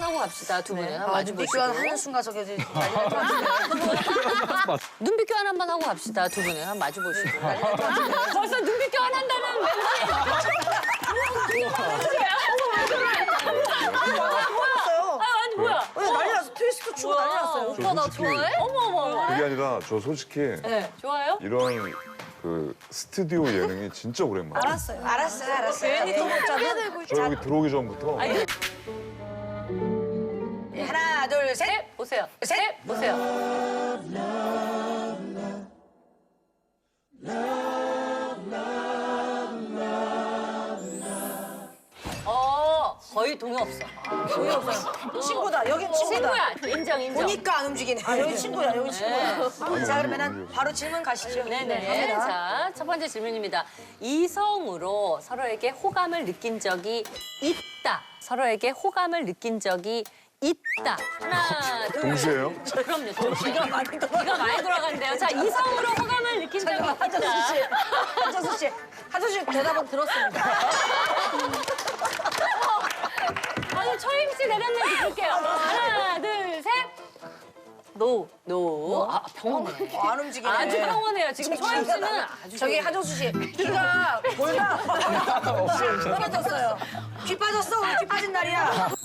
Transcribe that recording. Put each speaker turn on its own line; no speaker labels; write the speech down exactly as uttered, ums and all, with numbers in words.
하고 갑시다, 두 분은. 한번
아,
마주
눈빛
보시고.
교환 하는 순간 저기 난리 날것 같은데.
눈빛 교환 한번 하고 갑시다, 두 분은. 한번 마주 보시고. 벌써 눈빛 교환 한다는 멘트.
뭐야?
아, 아니, 뭐야?
왜 난리 났어? 트위스트 추고 난리 났어요.
오빠 나
솔직히-
좋아해? 어머, 어머, 어머.
그게 아니라 저 솔직히
네, 좋아요?
이런 그 스튜디오 예능이 진짜 오랜만이에요.
알았어요. 알았어요. 알았어요.
괜히 또
먹자면
저 여기 들어오기 전부터
아니,
하나, 둘, 셋.
셋, 보세요.
셋.
셋, 보세요. 어, 거의 동요 없어.
동의 없어요. 친구다. 여긴 친구다.
친구야. 인정, 인정.
보니까 안 움직이네. 아, 여기 친구야. 여기 친구야. 자, 그러면은 바로 질문 가시죠.
네네.
갑니다.
자, 첫 번째 질문입니다. 이성으로 서로에게 호감을 느낀 적이 있다. 서로에게 호감을 느낀 적이 있다. 하나, 둘.
동시에요?
그럼요, 동시에. 이가 많이 돌아 이가 많이 돌아간대요. 자, 이성으로 호감을 느낀 적이 있다.
한정수 씨. 한정수 씨. 한정수 씨 대답은 들었습니다.
아니, 초임 씨 대답만 들을게요. 하나, 둘, 셋. 노, 노. 아, 병원해.
어, 안 움직이네.
아주 평온해요. 지금 초임 씨는 아주
저기
평온해요.
한정수 씨 귀가 골다 피 빠졌어요. 귀 빠졌어. 오늘 귀 빠진 날이야.